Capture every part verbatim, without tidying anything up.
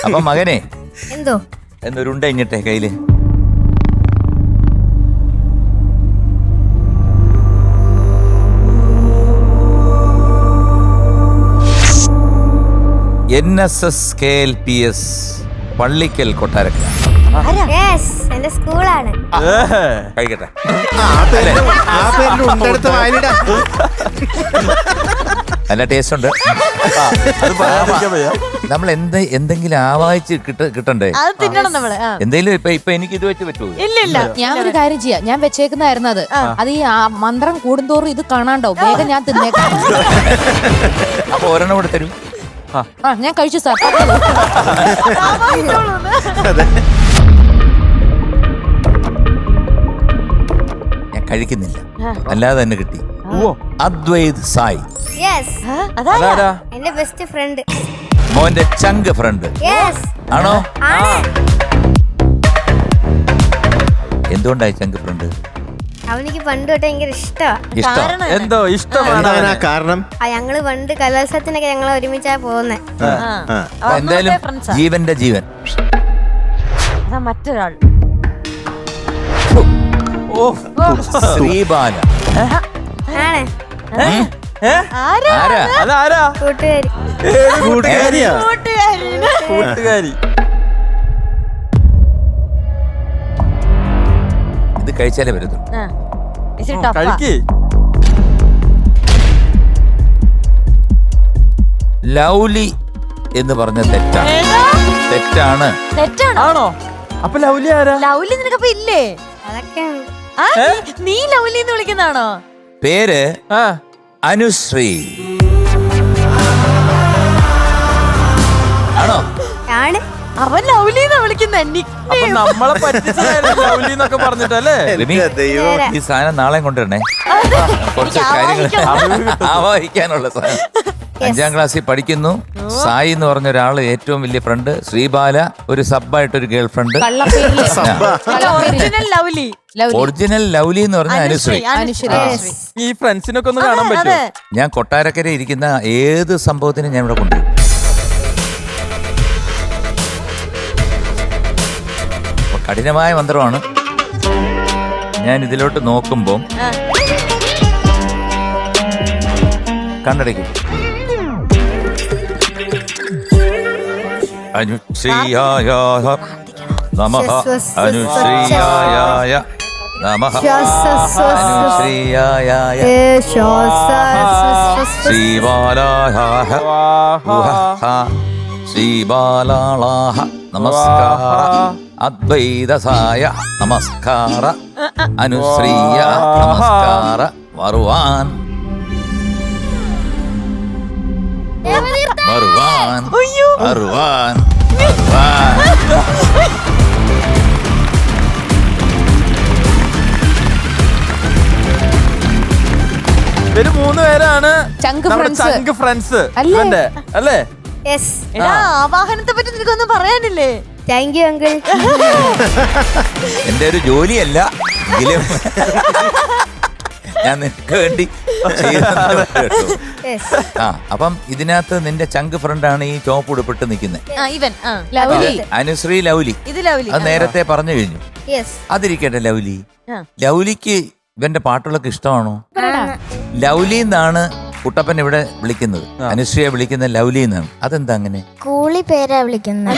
അപ്പൊ മകനെ എന്തോ എന്നൊരുണ്ട ഇഞ്ഞിട്ടെ കയ്യില്. N S S K L P S Pallickal Kottarakkara. Yes എന്റെ സ്കൂളാണ്. കഴിക്കട്ടെ. നല്ല ടേസ്റ്റ് ഉണ്ട്. നമ്മൾ എന്ത് എന്തെങ്കിലും ആവാഹിച്ച് കിട്ട കിട്ടണ്ടേ? എന്തെങ്കിലും ഇപ്പൊ ഇപ്പൊ എനിക്ക് ഇത് വെച്ച് പറ്റുമോ? ഇല്ല. ഞാൻ ഒരു കാര്യം ചെയ്യാം, ഞാൻ വെച്ചേക്കുന്നതായിരുന്നു അത്. അത് ഈ മന്ത്രം കൂടുന്തോറും ഇത് കാണാണ്ടോ, വേഗം ഞാൻ തിന്നേക്കാം. അപ്പൊ ഒരെണ്ണം കൂടെ തരൂ. ആ ഞാൻ കഴിച്ചു സാർ. ഞാൻ കഴിക്കുന്നില്ല, അല്ലാതെ തന്നെ കിട്ടി. അദ്വൈത് സായി. യെസ് എന്റെ ബെസ്റ്റ് ഫ്രണ്ട്. മോന്റെ ചങ്ക് ഫ്രണ്ട് യെസ് ആണോ? ആണ്. എന്തുകൊണ്ടായി ചങ്ക് ഫ്രണ്ട്? അവനിക്ക് പണ്ട് തൊട്ട് ഭയങ്കര ഇഷ്ടമാണ്. ഇഷ്ടം എന്തോ ഇഷ്ടമാണ് കാരണം. ആ ഞങ്ങള് പണ്ട് കലോത്സവത്തിനൊക്കെ ഞങ്ങള് ഒരുമിച്ചാ പോകുന്നേ. എന്തായാലും ജീവന്റെ ജീവൻ. മറ്റൊരാൾ ശ്രീബാല. ആണ് ആരാ? അതാരാ? കൂട്ടുകാരി. കൂട്ടുകാരിയാ? കൂട്ടുകാരി. ഇത് കഴിച്ചാലേ വരുന്നു. കഴിക്കേ. ലൗലി എന്ന് പറഞ്ഞ തെറ്റാണ്. തെറ്റാണ്. തെറ്റാണോ? അപ്പൊ ലൗലി ആരാ? ലൗലി നിനക്കപ്പ ഇല്ലേ? അതൊക്കെ നീ ലൗലി എന്ന് വിളിക്കുന്നതാണോ? പേര് അനുശ്രീ ആണോ? ആണ്. അവൻ ലൗലി എന്നാ വിളിക്കുന്ന. അപ്പൊ നമ്മളെ പറ്റിച്ചതായിരുന്നു ലൗലി എന്നൊക്കെ പറഞ്ഞിട്ടല്ലേ? ഈ സാധനം നാളെ കൊണ്ടുവരണേ. കുറച്ച് കാര്യങ്ങൾ ആവാഹിക്കാനുള്ള സാധനം. അഞ്ചാം ക്ലാസ്സിൽ പഠിക്കുന്നു. സായി എന്ന് പറഞ്ഞ ഒരാള് ഏറ്റവും വലിയ ഫ്രണ്ട്. ശ്രീബാല ഒരു സബ്ബായിട്ടൊരു ഗേൾ ഫ്രണ്ട്. ഒറിജിനൽ ലൗലി എന്ന് പറഞ്ഞ അനുശ്രീ. ഈ ഫ്രണ്ട്സിനൊക്കെ ഒന്ന് കാണാൻ പറ്റുമോ? ഞാൻ കൊട്ടാരക്കര ഇരിക്കുന്ന ഏത് സംഭവത്തിനും ഞാൻ ഇവിടെ കൊണ്ടുവരും. കഠിനമായ മന്ത്രമാണ്. ഞാൻ ഇതിലോട്ട് നോക്കുമ്പം കണ്ണടയ്ക്കും. അനുശ്രീയായ നമഃ. അനുശ്രീയായ നമഃ. അനുശ്രീയായ ശ്രീബാലായ ശ്രീബാലാളാഹ നമസ്കാര. അദ്വൈതസായ നമസ്കാര. അനുശ്രീയ നമസ്കാര. വരുവാൻ വരുവാൻ വരുവാൻ വരുവാൻ. ഇവര് മൂന്ന് പേരാണ് ചങ്ക് ഫ്രണ്ട്സ്. ചങ്ക് ഫ്രണ്ട്സ് അല്ലേ? അല്ലേ? യെസ്. ആവാഹനത്തെ പറ്റി നിനക്കൊന്നും പറയാനില്ലേ? Thank you uncle. എന്റെ ഒരു ജോലിയല്ല എങ്കിലും ഞാൻ നിനക്ക് വേണ്ടി ആ. അപ്പം ഇതിനകത്ത് നിന്റെ ചങ്ക് ഫ്രണ്ടാണ് ഈ ചോപ്പ് ഉടുപ്പിട്ട് നിൽക്കുന്നത്. അനുശ്രീ ലൗലി. അത് നേരത്തെ പറഞ്ഞു കഴിഞ്ഞു. അതിരിക്കട്ടെ. ലൗലി ലൗലിക്ക് ഇവന്റെ പാട്ടുകളൊക്കെ ഇഷ്ടമാണോ? ലൗലി എന്നാണ് കുട്ടപ്പൻ ഇവിടെ വിളിക്കുന്നത്. അനുശ്രീയെ വിളിക്കുന്ന ലൗലി എന്നാണ്. അതെന്താ അങ്ങനെ? കൂളി പേരാ വിളിക്കുന്നത്.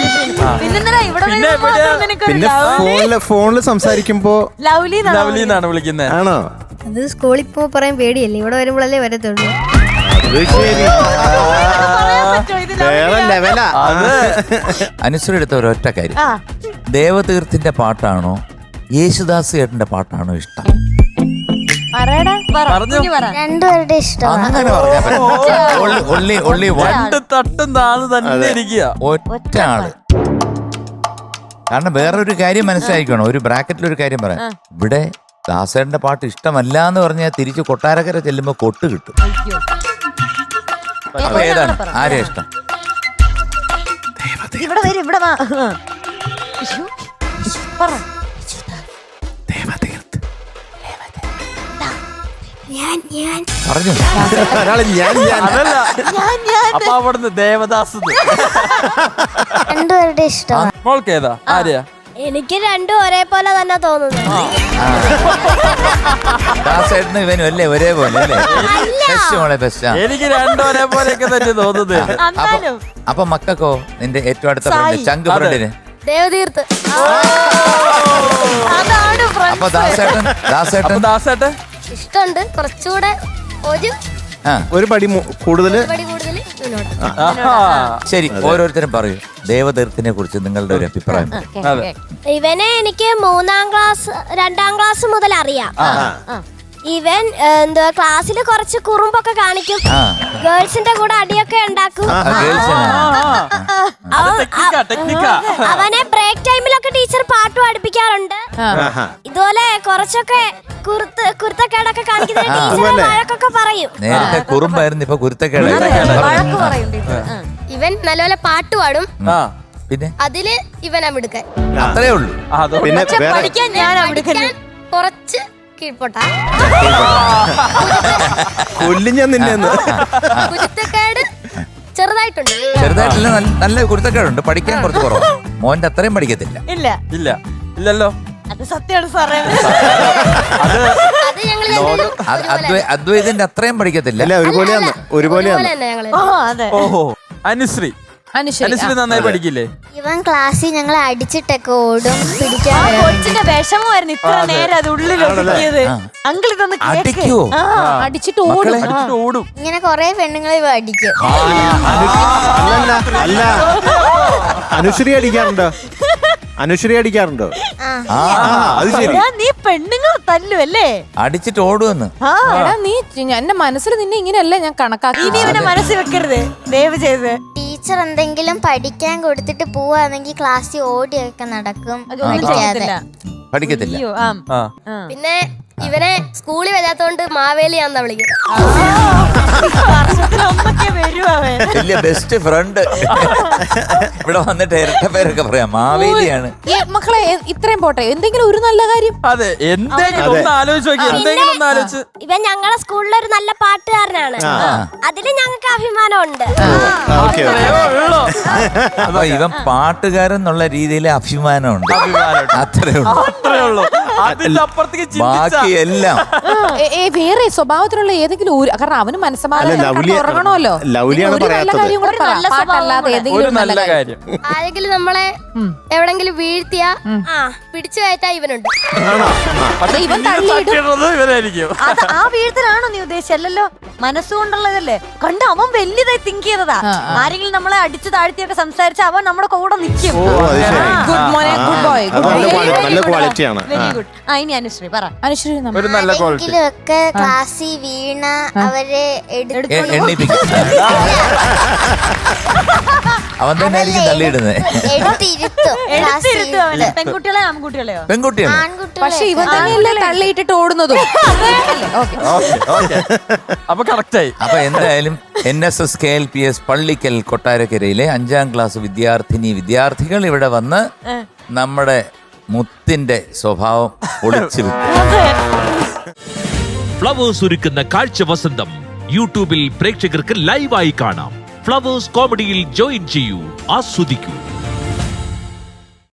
പിന്നെ ഫോണില് ഫോണില് സംസാരിക്കുമ്പോ ലൗലി എന്നാണ് വിളിക്കുന്നത്. ആണോ? അത് സ്കൂളിൽ പോ പറയാൻ പേടിയല്ലേ, ഇവിടെ വരുമ്പോഴല്ലേ വരത്തുള്ളൂ. അനുശ്രീ എടുത്ത ഒരൊറ്റ കാര്യം, ദേവതീർത്ഥിന്റെ പാട്ടാണോ യേശുദാസ് ചേട്ടന്റെ പാട്ടാണോ ഇഷ്ടം? രണ്ടുപേരുടെ ഇഷ്ടം. അങ്ങനെ ഒറ്റ ആള്. കാരണം വേറൊരു കാര്യം മനസ്സിലാക്കണം. ഒരു ബ്രാക്കറ്റിൽ ഒരു കാര്യം പറയാം. ഇവിടെ ദാസേട്ടന്റെ പാട്ട് ഇഷ്ടമല്ല എന്ന് പറഞ്ഞാൽ തിരിച്ച് കൊട്ടാരക്കര ചെല്ലുമ്പോ കൊട്ട് കിട്ടും. അപ്പൊ ഏതാണ്? ആരെയാ ഇഷ്ടം? പറഞ്ഞു ഒരാള് ഞാൻ ഞാൻ അതല്ല അപ്പൊ അവിടുന്ന് ദേവദാസ് രണ്ടുപേരുടെ ഇഷ്ടമാണ്. മോൾക്ക് ഏതാ ആര്യ? എനിക്ക് രണ്ടും ഒരേപോലെ തന്നെ തോന്നുന്നു. ദാസേട്ടനും ഇവനും അല്ലേ ഒരേപോലെ അല്ലേ? ബെസ്റ്റ് മോളെ ബെസ്റ്റ്. എനിക്ക് രണ്ടും ഒരേപോലെയൊക്കെ തന്നെ തോന്നുന്നത്. അപ്പൊ അപ്പൊ മക്കൾക്കോ നിന്റെ ഏറ്റവും അടുത്ത ഫ്രണ്ട് ചങ്ക് ഫ്രണ്ടിന് ദേവതീർത്ത്. അപ്പൊ ദാസേട്ടൻ ദാസേട്ടൻ ദാസേട്ടെ ഇഷ്ടമുണ്ട് കുറച്ചുകൂടെ ഒരു ആ ഒരു പടി മു- കൂടുതല് പടി കൂടുതൽ മുന്നോട്ട്. ശരി ഓരോരുത്തരും പറയൂ ദേവതീർത്ഥിനെ കുറിച്ച് നിങ്ങളുടെ ഒരു അഭിപ്രായം. അതെ. ഇവനെ എനിക്ക് മൂന്നാം ക്ലാസ് രണ്ടാം ക്ലാസ് മുതൽ അറിയാം. ഇവൻ എന്തുവാ ക്ലാസ്സിൽ കുറച്ച് കുറുമ്പൊക്കെ കാണിക്കും. ആ ഗേൾസിന്റെ കൂടെ അടിയൊക്കെ ഉണ്ടാക്കും. ആ, ഗേൾസിനാ. അവ- ടെക്നിക്കാ ടെക്നിക്കാ. അവനെ ബ്രേക്ക് ടൈമിലൊക്കെ ടീച്ചർ പാട്ട് പഠിപ്പിക്കാറുണ്ട്. ആഹാ. ഇതുപോലെ കുറച്ചൊക്കെ കുരുത്ത് കുരുത്തക്കേടൊക്കെ കാണിക്കുന്ന ടീച്ചർ വഴക്കൊക്കെ പറയും. നേരത്തെ കുറുമ്പായിരുന്നു ഇപ്പൊ കുരുത്തക്കേട്. ഇവൻ നല്ലപോലെ പാട്ട് പാടും. ആ പിന്നെ അതില് ഇവനാ മിടുക്കൻ. അത്രേ ഉള്ളൂ. അതോ പിന്നെ വേറെ പഠിക്കാൻ ഞാൻ കുറച്ച് കീഴ്പോട്ടാ. കൊല്ലും ഞാൻ നിന്നെ ഒന്ന്. കുരുത്തക്കേട് ചെറുതായിട്ടുണ്ട്. ചെറുതായിട്ടില്ല നല്ല- നല്ല കുരുത്തക്കേടുണ്ട്. പഠിക്കാൻ കുറച്ച് കുറവ്. മോന്റെ അത്രയും പഠിക്കത്തില്ല. ഇല്ല ഇല്ല ഇല്ലല്ലോ. അത് സത്യമാണ് സാറേ. അത് അത് ഞങ്ങൾ രണ്ടുപേരും അത് അദ്വൈ- അദ്വൈതിന്റെ അത്രയും പഠിക്കത്തില്ല. അല്ല ഒരുപോലെയാണ് ഒരുപോലെയാണ്. ഒരുപോലെ തന്നെ ഞങ്ങള്. അതെ ഓഹോ അനുശ്രീ അനുശ്രീ അനുശ്രീ നന്നായി പഠിക്കില്ലേ? ഇവൻ ക്ലാസ്സിൽ ഞങ്ങളെ അടിച്ചിട്ടൊക്കെ ഓടും പിടിക്കാൻ. കൊച്ചിന്റെ വിഷമമായിരുന്നു ഇത്ര നേരം അത് ഉള്ളിൽ ഒതുക്കിയത്. അങ്കിൾ ഇതൊന്ന് കേക്ക്. അടിക്കോ? ആ, അടിച്ചിട്ട് ഓടും. അടിച്ചിട്ട് ഓടും. ഇങ്ങനെ കൊറേ പെണ്ണുങ്ങളെ ഇവ അടിക്കും. അല്ലല്ല അല്ല അനുശ്രീ അടിക്കാറുണ്ടോ? അനുശ്രീ അടിക്കാറുണ്ടോ? ആ അത് ശരി. എടാ, നീ പെണ്ണുങ്ങൾ തല്ലുവല്ലേ? അടിച്ചിട്ട് ഓടുവെന്ന്. ആ എടാ നീ എന്റെ മനസ്സിൽ നിന്നെ ഇങ്ങനെയല്ല ഞാൻ കണക്കാക്കി. ഇനി ഇവനെ മനസ്സിൽ വെക്കരുത് ദയവ് ചെയ്ത്. ടീച്ചർ എന്തെങ്കിലും പഠിക്കാൻ കൊടുത്തിട്ട് പോവാണെങ്കിൽ ക്ലാസ്സിൽ ഓടിയൊക്കെ നടക്കും. അതൊന്നും ചെയ്യത്തില്ല. പഠിക്കത്തില്ല. അയ്യോ, ആ. ആ ആ. പിന്നെ ഇവനെ സ്കൂളിൽ വരാത്തോണ്ട് മാവേലിയാന്നാ വിളിക്കുന്നത്. വർഷത്തിലൊന്നൊക്കെ വരും അവൻ. വലിയ ബെസ്റ്റ് ഫ്രണ്ട്. ഇവിടെ വന്നിട്ട് ഇരട്ട പേരൊക്കെ പറയാം മാവേലിയാണ്. ഏ, മക്കളെ എ- ഇത്രയും പോട്ടെ എന്തെങ്കിലും ഒരു നല്ല കാര്യം. അതെ എന്തെങ്കിലും ഒന്ന് ആലോചിച്ച് നോക്കി. എന്തെങ്കിലും ഒന്ന് ആലോചിച്ച്. ഇവൻ ഞങ്ങളുടെ സ്കൂളിലൊരു നല്ല പാട്ടുകാരനാണ്. അതില് ഞങ്ങൾക്ക് അഭിമാനമുണ്ട്. ഓക്കെ അത്രയോ ഉള്ളൂ. അപ്പൊ ഇവൻ പാട്ടുകാരൻ എന്നുള്ള രീതിയിൽ അഭിമാനമുണ്ട്. അഭിമാനമുണ്ട്. അത്രേ ഉള്ളൂ. അത്രേ ഉള്ളൂ. അതിന്റെ അപ്പുറത്തേക്ക് ചിന്തിച്ച ബാക്കി എല്ലാം ഏ, ഏ, വേറെ സ്വഭാവത്തിലുള്ള ഏതെങ്കിലും ഒരു കാരണം അവന് അല്ല, മനസ്സമാധാനം ലൗലി- ഉറങ്ങണമല്ലോ. ലൗലിയാണ് ഒരു നല്ല പറയാത്തത്. കാര്യം കൂടെ പറ. പാട്ടല്ലാതെ ഒരു ഏതെങ്കിലും ഒരു നല്ല കാര്യം. ആരെങ്കിലും നമ്മളെ എവിടെങ്കിലും വീഴ്ത്തിയ ആ പിടിച്ചു കയറ്റാ ഇവനുണ്ട്. പക്ഷെ ഇവൻ പിന്നീട് തള്ളിയിടും. തട്ടിയിടുന്നത് ഇവനായിരിക്കും. അത് ആ വീഴ്ത്തലാണോ നീ ഉദ്ദേശിച്ചല്ലോ? മനസ്സുകൊണ്ടുള്ളതല്ലേ? കണ്ട് അവൻ വലിയതായി തിങ്ക് ചെയ്തതാ. ആരെങ്കിലും നമ്മളെ അടിച്ചു താഴ്ത്തിയൊക്കെ സംസാരിച്ച അവൻ നമ്മുടെ കൂടെ നിൽക്കും. ഓ അത് ശരി. ഗുഡ് മോനെ ഗുഡ് ബോയ് അത് നല്ല ക്വാളി- നല്ല ക്വാളിറ്റിയാണ്. Very good. ആ ഇനി അനുശ്രീ പറ. അനുശ്രീ നമ്മ- ഒരു നല്ല ക്വാളിറ്റി. ആരെങ്കിലും ഒക്കെ ക്ലാസ്സിൽ വീണ അവരെ എടുത്ത് എ- എണ്ണിപ്പിക്കും. അവൻ തന്നെ ആയിരിക്കും തള്ളിയിടുന്നത്. എടുത്തിരുത്തും. എടുത്തിരുത്തും അവനെ. പെൺകുട്ടികളെ ആൺകുട്ടികളെയോ? പെൺകുട്ടിയാണ്. ആൺകുട്ടികളെ പക്ഷെ ഇവൻ തന്നെയല്ലേ തള്ളിയിട്ടിട്ട് ഓടുന്നതും. അല്ലേ? ഓക്കേ. ഓക്കെ ഓക്കെ അപ്പൊ കറക്റ്റായി. അപ്പൊ എന്തായാലും N S S K L P S Pallickal കൊട്ടാരക്കരയിലെ അഞ്ചാം ക്ലാസ് വിദ്യാർത്ഥിനി വിദ്യാർത്ഥികൾ ഇവിടെ വന്ന് നമ്മുടെ മുത്തിന്റെ സ്വഭാവം ഒളിച്ചു വിട്ടു. ഫ്ലവേഴ്സ് ഒരുക്കുന്ന കാഴ്ച വസന്തം യൂട്യൂബിൽ പ്രേക്ഷകർക്ക് ലൈവായി കാണാം. ഫ്ലവേഴ്സ് കോമഡിയിൽ ജോയിൻ ചെയ്യൂ, ആസ്വദിക്കൂ.